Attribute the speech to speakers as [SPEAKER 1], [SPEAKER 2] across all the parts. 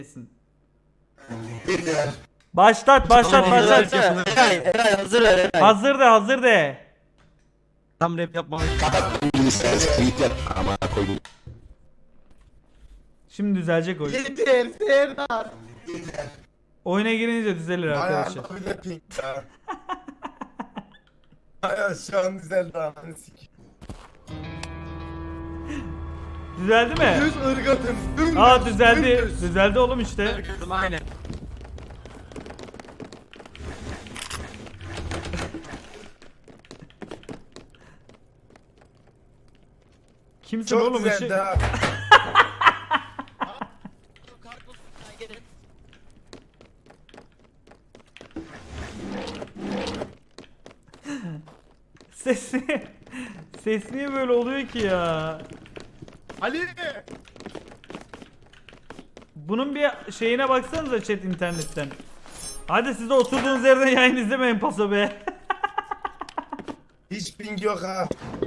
[SPEAKER 1] Başlat.
[SPEAKER 2] Hazır ver Eray.
[SPEAKER 1] Hazır de.
[SPEAKER 3] Tam rap yapmalı.
[SPEAKER 1] Şimdi düzelecek oyun.
[SPEAKER 4] Yeter Serdar.
[SPEAKER 1] Oyuna girince düzelir arkadaşlar.
[SPEAKER 4] Ay bir de pink ya. Ay şu an düzeldi ananı sikeyim.
[SPEAKER 1] Düzeldi mi?
[SPEAKER 4] Düz ırgatım. Dümdüz.
[SPEAKER 1] Aa düzeldi.
[SPEAKER 4] Dümdüz.
[SPEAKER 1] Düzeldi oğlum işte.
[SPEAKER 3] Aynen.
[SPEAKER 1] Kimsin
[SPEAKER 4] Çok
[SPEAKER 1] oğlum
[SPEAKER 4] düzeldi
[SPEAKER 1] ışık?
[SPEAKER 4] ha.
[SPEAKER 1] Sesi. Ses niye böyle oluyor ki ya?
[SPEAKER 4] Ali.
[SPEAKER 1] Bunun bir şeyine baksanıza chat internetten. Hadi siz de oturduğunuz yerden yayın izlemeyin paso be.
[SPEAKER 4] Hiç ping yok ha.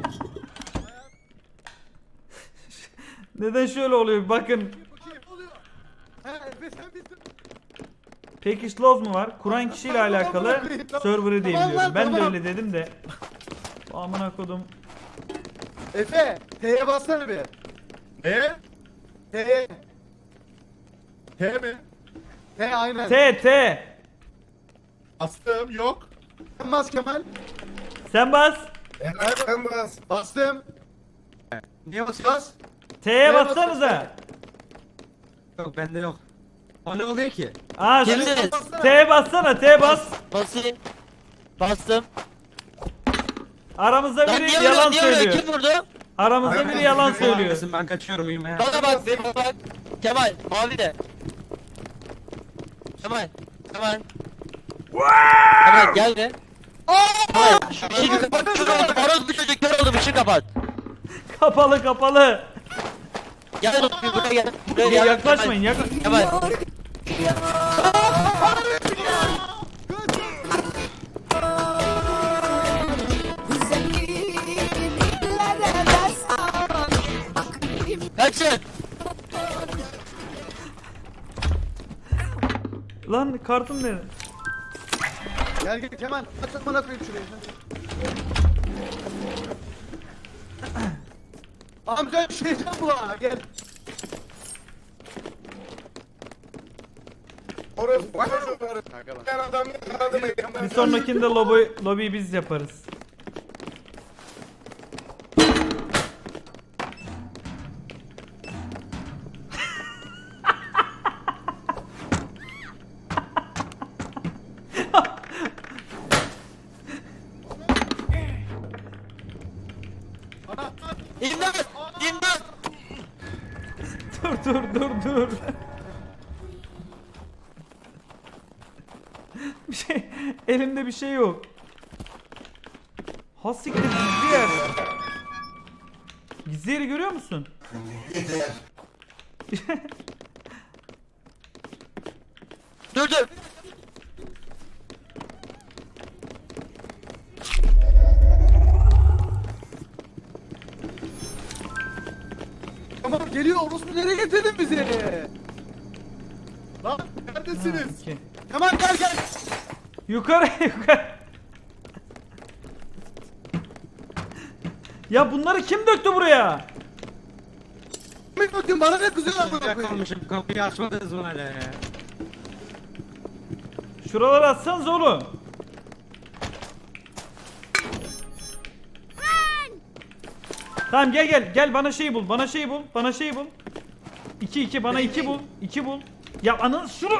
[SPEAKER 1] Neden şöyle oluyor? Bakın.
[SPEAKER 4] Ha Efe sen bittin.
[SPEAKER 1] Package Laws mu var? Kuran kişiyle alakalı server'ı diye biliyorum. Ben de
[SPEAKER 4] Tamam.
[SPEAKER 1] öyle dedim de. Amına kodum.
[SPEAKER 4] Efe T'ye bassana bir.
[SPEAKER 5] Ne?
[SPEAKER 4] T'ye.
[SPEAKER 5] T mi?
[SPEAKER 4] T aynen.
[SPEAKER 1] T.
[SPEAKER 5] Bastım yok.
[SPEAKER 4] Sen bas Kemal.
[SPEAKER 1] Sen bas.
[SPEAKER 4] Sen bas. Bastım.
[SPEAKER 3] Niye basıyorsun?
[SPEAKER 4] Bas.
[SPEAKER 1] T'ye bassanıza.
[SPEAKER 3] Yok bende yok. O ne oluyor ki?
[SPEAKER 1] Aa,
[SPEAKER 2] Kimdiniz?
[SPEAKER 1] T'ye bassana. T bas.
[SPEAKER 2] Basayım. Bastım.
[SPEAKER 1] Aramızda
[SPEAKER 2] Lan
[SPEAKER 1] biri
[SPEAKER 2] niye
[SPEAKER 1] yalan
[SPEAKER 2] vuruyor? Niye vuruyor?
[SPEAKER 1] söylüyor.
[SPEAKER 2] Kim vurdu?
[SPEAKER 1] Aramızda biri yalan söylüyor.
[SPEAKER 3] Ben kaçıyorum uyumaya.
[SPEAKER 2] Bana bak bir bak. Kemal mavi de. Kemal. Kemal gel be. Kemal şu ışığı kapat. Kör oldum. Horoz bir çocuk kör oldum. Işığı kapat.
[SPEAKER 1] Kapalı.
[SPEAKER 2] Gel bir buraya gel. Buraya gel.
[SPEAKER 1] Yaklaşmayın.
[SPEAKER 2] Kemal. Kaçın.
[SPEAKER 1] Lan kartım nerede?
[SPEAKER 4] Gel Kemal. Aç bana koyayım şurayı. Amca şeyden bu ha gel. Orası ben adam yakaladım.
[SPEAKER 1] Bir sonrakinde lobiyi biz yaparız.
[SPEAKER 2] İmdat. İmdat.
[SPEAKER 1] Dur. Bir şey, elimde bir şey yok. Ha siktir gizli yer. Gizli yeri görüyor musun?
[SPEAKER 2] Dur.
[SPEAKER 4] Tamam geliyor orospu nereye getirdin bizi?
[SPEAKER 5] Lan neredesiniz?
[SPEAKER 1] İki.
[SPEAKER 4] Kemal gel.
[SPEAKER 1] Yukarı. Ya bunları kim döktü buraya?
[SPEAKER 4] Kimin bakın bana ne kızıyorlar buna koyayım.
[SPEAKER 3] Yakalmışım kapıyı açmadınız mı hala ya?
[SPEAKER 1] Şuraları atsanız oğlum. Tamam gel bana şey bul. Bana şey bul. 2 bana 2 bul. 2 bul. Ya ananı şunu.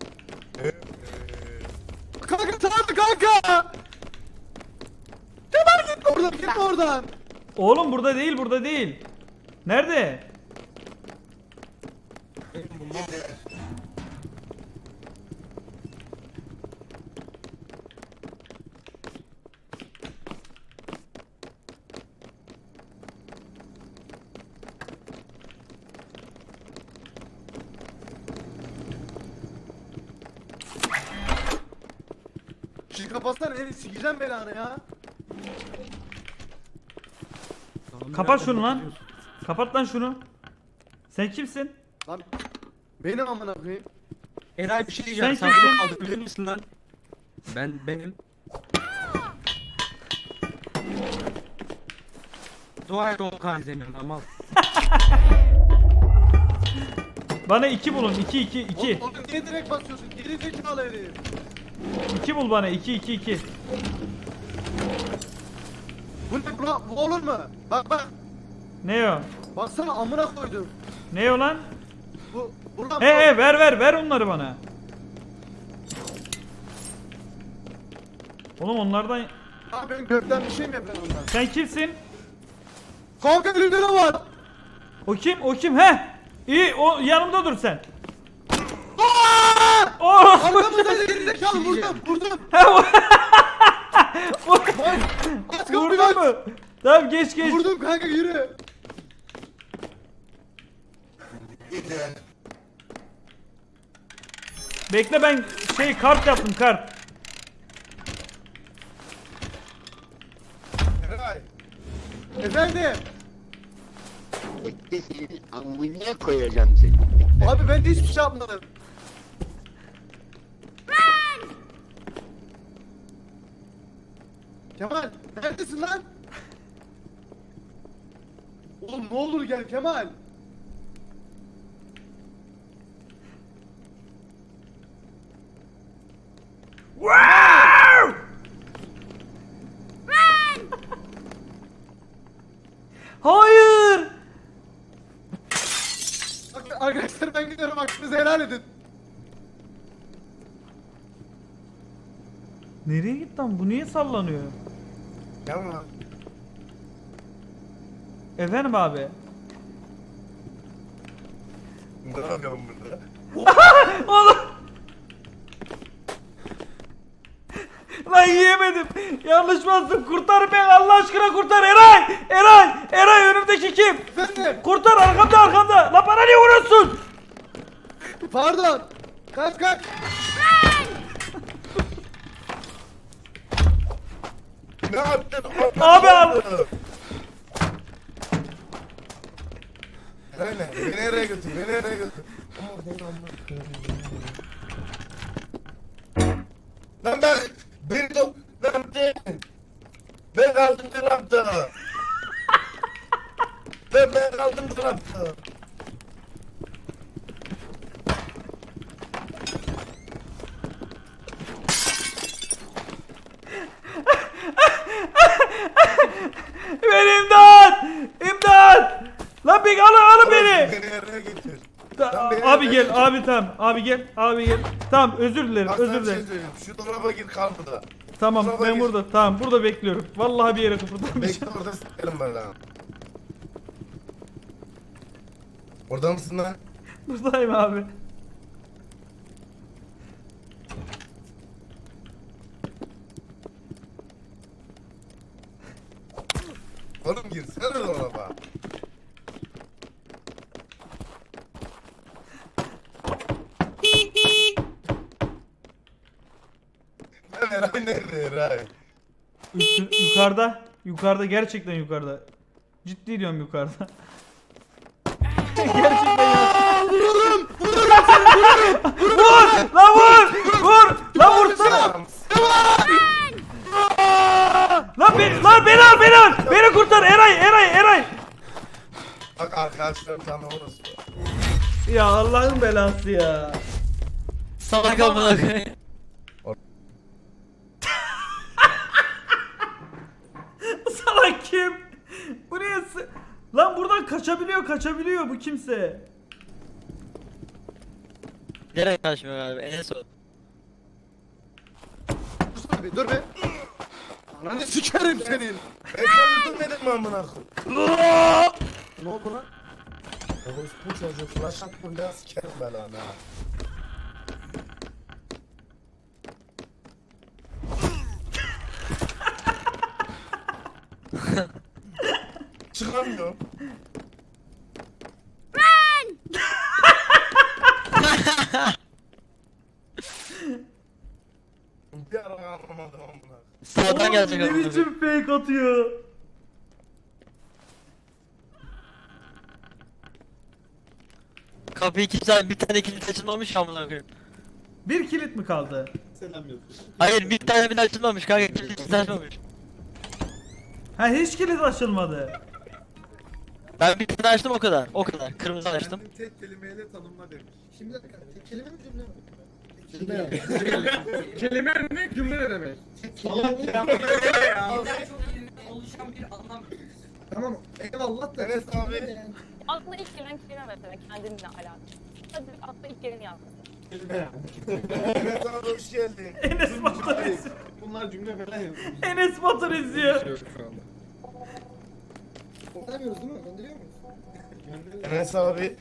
[SPEAKER 4] Kanka tamam kanka. Kemal git oradan.
[SPEAKER 1] Oğlum burada değil. Nerede?
[SPEAKER 4] Şu kapatsana eli sikeceğim belanı ya.
[SPEAKER 1] Kapat şunu lan. Kapat lan şunu. Sen kimsin?
[SPEAKER 4] Lan Benim amına koyayım.
[SPEAKER 3] Eray bir şey diyeceğim.
[SPEAKER 1] Sen
[SPEAKER 3] Sen
[SPEAKER 1] kimsin?
[SPEAKER 3] bunu kaldırabilir misin lan? Benim. Dua et Okan izlemiyorum ama.
[SPEAKER 1] Bana 2 bulun. 2.
[SPEAKER 4] Oğlum niye direkt basıyorsun? Geri zekalı herif.
[SPEAKER 1] 2 bul bana. 2.
[SPEAKER 4] Bu ne bu olur mu? Bak.
[SPEAKER 1] Ne o?
[SPEAKER 4] Baksana amına koydum.
[SPEAKER 1] Ne o lan?
[SPEAKER 4] Buradan
[SPEAKER 1] He ver onları bana. Oğlum onlardan...
[SPEAKER 4] Abi ben gökten bir şey mi yapıyorum ondan?
[SPEAKER 1] Sen kimsin?
[SPEAKER 4] Kanka önümde ne var?
[SPEAKER 1] O kim? He? İyi o yanımda dur sen. Oh!
[SPEAKER 4] Arkamızda geri zekalı vurdum.
[SPEAKER 1] He o...
[SPEAKER 4] Aç kapıyı
[SPEAKER 1] Vurdun
[SPEAKER 4] aç.
[SPEAKER 1] mu? Tamam geç.
[SPEAKER 4] Vurdum kanka yürü.
[SPEAKER 1] Bekle ben kart yaptım kart.
[SPEAKER 5] Eray.
[SPEAKER 4] Efendim.
[SPEAKER 2] Bekle senin amına koyacağım seni.
[SPEAKER 4] Abi ben de hiçbir şey yapmadım. Kemal neredesin lan? Oğlum ne olur gel Kemal.
[SPEAKER 1] Hayır.
[SPEAKER 4] Bak, arkadaşlar ben gidiyorum hakkınızı helal edin.
[SPEAKER 1] Nereye gitti lan? Bu niye sallanıyor?
[SPEAKER 5] Tamam.
[SPEAKER 1] Efendim abi.
[SPEAKER 5] Ne yapıyorsun burada?
[SPEAKER 1] Oğlum. Lan yiyemedim. Yanlış bastım. Kurtar beni Allah aşkına kurtar. Eray önümdeki kim?
[SPEAKER 4] Efendim.
[SPEAKER 1] Kurtar arkamda. Lan bana niye vuruyorsun?
[SPEAKER 4] Pardon. Kaç.
[SPEAKER 5] Ne yaptın?
[SPEAKER 1] Abi al.
[SPEAKER 5] Beni nereye götür? Lan beni de ne yaptın? Ben kaldım tarafta. Ben kaldım tarafta.
[SPEAKER 1] Beni imdat. Lan bir alın beni.
[SPEAKER 5] Beni nereye götür?
[SPEAKER 1] Abi gel abi gel. Tamam özür dilerim.
[SPEAKER 5] Bak sana bir şey söyleyeyim. Şu dolaba gir kal burada.
[SPEAKER 1] Tamam
[SPEAKER 5] Kusura
[SPEAKER 1] ben
[SPEAKER 5] bakma.
[SPEAKER 1] burada bekliyorum. Vallahi bir yere kıpırdamayacağım.
[SPEAKER 5] Bekle orada s**erim ben lan. Orada mısın lan?
[SPEAKER 1] Buradayım abi.
[SPEAKER 5] Oğlum girsene dolaba. Lan Eray nerede Eray?
[SPEAKER 1] Yukarıda gerçekten yukarıda. Ciddi diyorum yukarıda. Gerçekten ya. Vur! Lan vursana! Lan beni al! Beni kurtar Eray!
[SPEAKER 5] Bak arkadaşlarım sana orası.
[SPEAKER 1] Ya Allah'ın belası ya.
[SPEAKER 2] Salak amına koyayım.
[SPEAKER 1] Salak kim? Bu niye Lan buradan kaçabiliyor bu kimse.
[SPEAKER 2] Nereye kaçmıyor abi? Enes o.
[SPEAKER 4] Dur be. Ananı sikerim senin.
[SPEAKER 5] Ben sana öldürmedim mi amına koyayım?
[SPEAKER 4] Ne oldu lan?
[SPEAKER 5] Bu çocuğu flash attım ben sikerim ben lan ha. Çıkamıyorum. Bir ara anlamadım amına.
[SPEAKER 2] Sağdan gelecek
[SPEAKER 1] Ne
[SPEAKER 2] amına koyayım.
[SPEAKER 1] biçim fake atıyor.
[SPEAKER 2] Kapıyı kimse bir tane kilit açılmamış amına koyayım.
[SPEAKER 1] Bir kilit mi kaldı?
[SPEAKER 4] Selam yazıyor.
[SPEAKER 2] Hayır bir tane bile açılmamış kanka kilit açmamış.
[SPEAKER 1] Ha hiç kilit açılmadı.
[SPEAKER 2] Ben bir tane açtım o kadar. O kadar. Kırmızı açtım.
[SPEAKER 4] Kendini tek kelimeyle tanımla demiş.
[SPEAKER 5] Şimdi bir dakika, tek kelime mi cümle mi? Cümle.
[SPEAKER 3] Kelime ne cümle ne demek?
[SPEAKER 5] Tamam, eyvallah da.
[SPEAKER 4] Evet abi.
[SPEAKER 5] Yani.
[SPEAKER 6] Aklına ilk gelen kelime mesela kendinle alakalı. Hadi aklına ilk geleni yaz.
[SPEAKER 4] Evet sana hoş geldin.
[SPEAKER 1] Enes Batur izliyor.
[SPEAKER 4] Bunlar cümle falan yazıyor.
[SPEAKER 1] Enes Batur izliyor.
[SPEAKER 5] Göndermiyoruz değil mi? Gönderiyor muyuz?
[SPEAKER 4] Enes abi.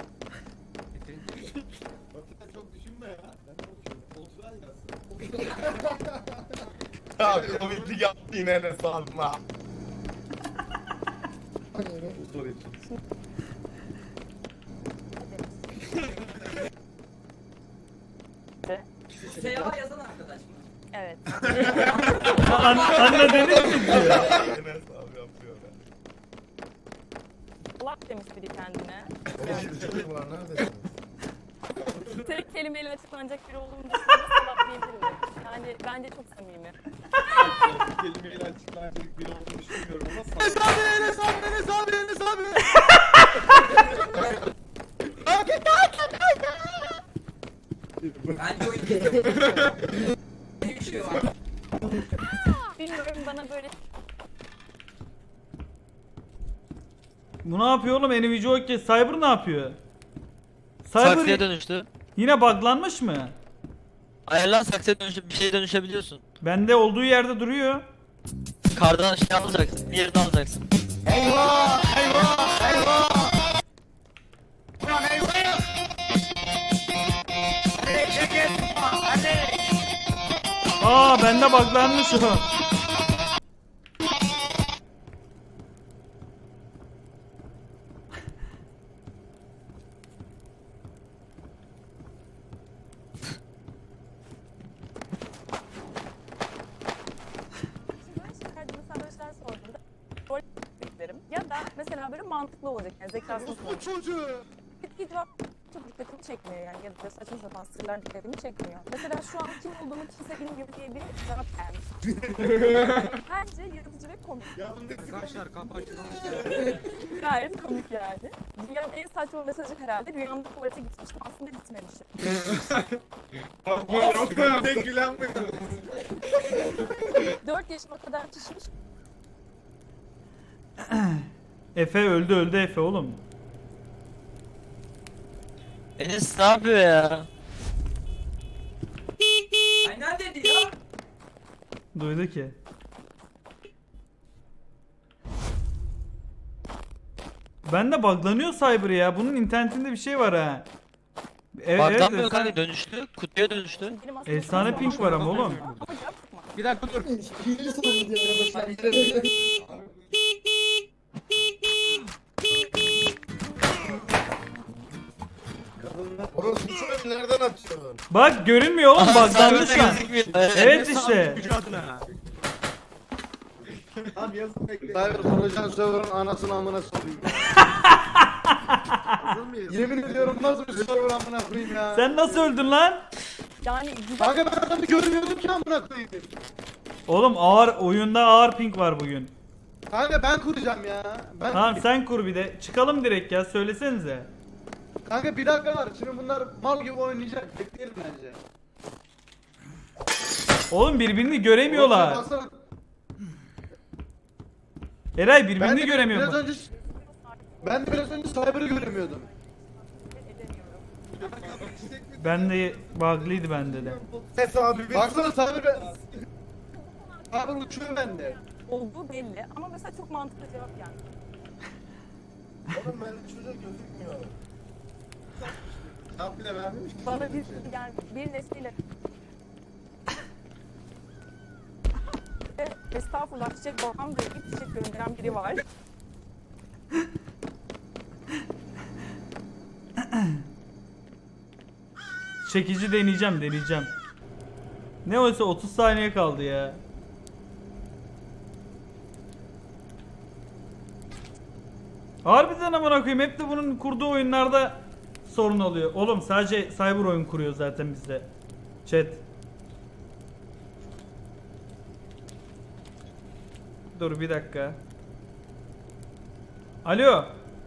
[SPEAKER 4] Batı'da çok düşünme ya. Ben de okuyorum. Otural yazsın.
[SPEAKER 7] Ya komiklik yaptı yine Enes abime.
[SPEAKER 5] Hani öyle.
[SPEAKER 4] Bu soru için.
[SPEAKER 6] Evet.
[SPEAKER 1] Anne Deniz mi izliyor?
[SPEAKER 7] Enes abi yapıyor be.
[SPEAKER 6] Lak demiş biri kendine.
[SPEAKER 5] Çocuk var, neredesin?
[SPEAKER 6] Tek kelimeyle açıklanacak biri olduğunu düşünüyorsa salak diyebilirim. Yani bence çok samimi.
[SPEAKER 4] Kelimeyle açıklanacak biri olduğunu düşünmüyorum ama sağ
[SPEAKER 7] Enes abi, Enes abi, Enes abi, Enes abi.
[SPEAKER 6] Bilmiyorum bana böyle
[SPEAKER 1] Bu ne yapıyor oğlum? Nvidia Hockey. Cyber ne yapıyor?
[SPEAKER 2] Saksıya
[SPEAKER 1] Cyber
[SPEAKER 2] dönüştü.
[SPEAKER 1] yine buglanmış mı?
[SPEAKER 2] Ayarlan saksıya dönüşüp bir şeye dönüşebiliyorsun.
[SPEAKER 1] Bende olduğu yerde duruyor.
[SPEAKER 2] Kardan şey alacaksın. Bir yerini alacaksın.
[SPEAKER 1] Aa bende buglanmış o.
[SPEAKER 6] ben şakaydı mesela böyle şeyler sorduğumda rol beklerim. Ya da mesela böyle mantıklı olacak yani zekasını
[SPEAKER 7] Bu çocuğu.
[SPEAKER 6] Bir cevap çok dikkatimi çekmiyor yani ya da saçma sapan sırlar dikkatimi çekmiyor. Mesela şu an kim olduğumu kimse bilmiyor diye bir cevap gelmiş. Bence yaratıcı ve komik.
[SPEAKER 3] Arkadaşlar kapı açılmış.
[SPEAKER 6] Gayet komik yani. Dünyanın en saçma mesajı herhalde rüyamda tuvalete gitmiştim aslında gitmemişim.
[SPEAKER 4] Tek gülen mi?
[SPEAKER 6] 4 yaşıma kadar pişmiş.
[SPEAKER 1] Efe öldü Efe oğlum.
[SPEAKER 2] Enes ne yapıyor ya?
[SPEAKER 1] Duydu ki. Bende buglanıyor Cyber ya. Bunun internetinde bir şey var ha. Evet,
[SPEAKER 2] Buglanmıyor
[SPEAKER 1] evet,
[SPEAKER 2] kanka dönüştü. Kutuya dönüştü.
[SPEAKER 6] Benim aslında
[SPEAKER 1] Efsane
[SPEAKER 6] çok
[SPEAKER 1] pink
[SPEAKER 6] fazla
[SPEAKER 1] var ama oğlum.
[SPEAKER 6] Ama cevap çıkmadı.
[SPEAKER 3] Bir dakika dur.
[SPEAKER 5] Hileli sorun diye başlar.
[SPEAKER 7] Orası bu çocuğu nereden atıyorsun?
[SPEAKER 1] Bak görünmüyor oğlum buglandı şu an. Evet işte.
[SPEAKER 3] Gücü adına.
[SPEAKER 4] Abi yazın bekle.
[SPEAKER 7] Cyber Projan server'ın anasını amına sokayım.
[SPEAKER 4] Hazır mıyız?
[SPEAKER 7] Yemin ediyorum nasıl bir server amına koyayım ya.
[SPEAKER 1] Sen nasıl öldün lan?
[SPEAKER 6] Yani güzel
[SPEAKER 7] Kanka ben adamı görmüyordum ki amına koyayım.
[SPEAKER 1] Oğlum oyunda ağır pink var bugün.
[SPEAKER 7] Kanka ben kuracağım ya. Ben
[SPEAKER 1] Tamam sen kur bir de. Çıkalım direkt ya söylesenize.
[SPEAKER 7] Kanka bir dakika var. Şimdi bunlar mal gibi oynayacak. Bekleyelim bence.
[SPEAKER 1] Oğlum birbirini göremiyorlar.
[SPEAKER 7] Baksana,
[SPEAKER 1] Eray
[SPEAKER 7] Ben
[SPEAKER 1] birbirini
[SPEAKER 7] de
[SPEAKER 1] göremiyor.
[SPEAKER 7] biraz önce ben de biraz önce Cyber'ı göremiyordum.
[SPEAKER 6] edemiyorum.
[SPEAKER 1] Ben de bug'lıydı bende de.
[SPEAKER 7] Ses abi. Baksana Cyber Cyber uçuyor bende.
[SPEAKER 6] Olduğu belli ama mesela çok mantıklı cevap geldi.
[SPEAKER 7] Oğlum ben çocuğa gözükmüyor.
[SPEAKER 4] Cevap bile vermemiş ki.
[SPEAKER 6] Bana bir yani bir nesliyle estağfurullah çiçek babam diye bir çiçek gönderen biri var.
[SPEAKER 1] Çekici deneyeceğim. Ne olsa 30 saniye kaldı ya. Harbiden amına koyayım hep de bunun kurduğu oyunlarda sorun oluyor. Oğlum sadece cyber oyun kuruyor zaten bizde. Chat. Dur bir dakika. Alo.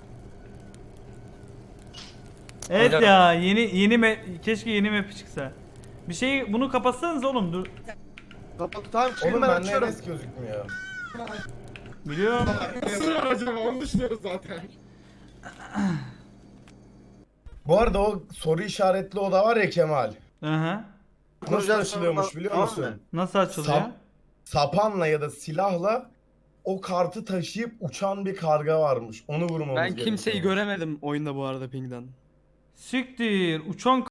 [SPEAKER 1] Evet
[SPEAKER 2] Alo.
[SPEAKER 1] ya keşke yeni map çıksa. Bir şey bunu kapatsanız oğlum dur.
[SPEAKER 7] Kapat tamam çıkayım
[SPEAKER 5] Oğlum
[SPEAKER 7] ben
[SPEAKER 5] bende
[SPEAKER 7] açıyorum.
[SPEAKER 5] Enes gözükmüyor.
[SPEAKER 1] Biliyorum.
[SPEAKER 4] Nasıl acaba onu düşünüyoruz zaten.
[SPEAKER 5] Bu arada o soru işaretli oda var ya Kemal.
[SPEAKER 1] Aha.
[SPEAKER 5] Nasıl açılıyormuş biliyor
[SPEAKER 7] Tamam
[SPEAKER 5] musun?
[SPEAKER 7] mı?
[SPEAKER 1] Nasıl açılıyor?
[SPEAKER 5] Sapanla ya da silahla o kartı taşıyıp uçan bir karga varmış. Onu vurmamız
[SPEAKER 3] Ben
[SPEAKER 5] gerekiyor.
[SPEAKER 3] kimseyi göremedim oyunda bu arada pingden.
[SPEAKER 1] Siktir. Uçan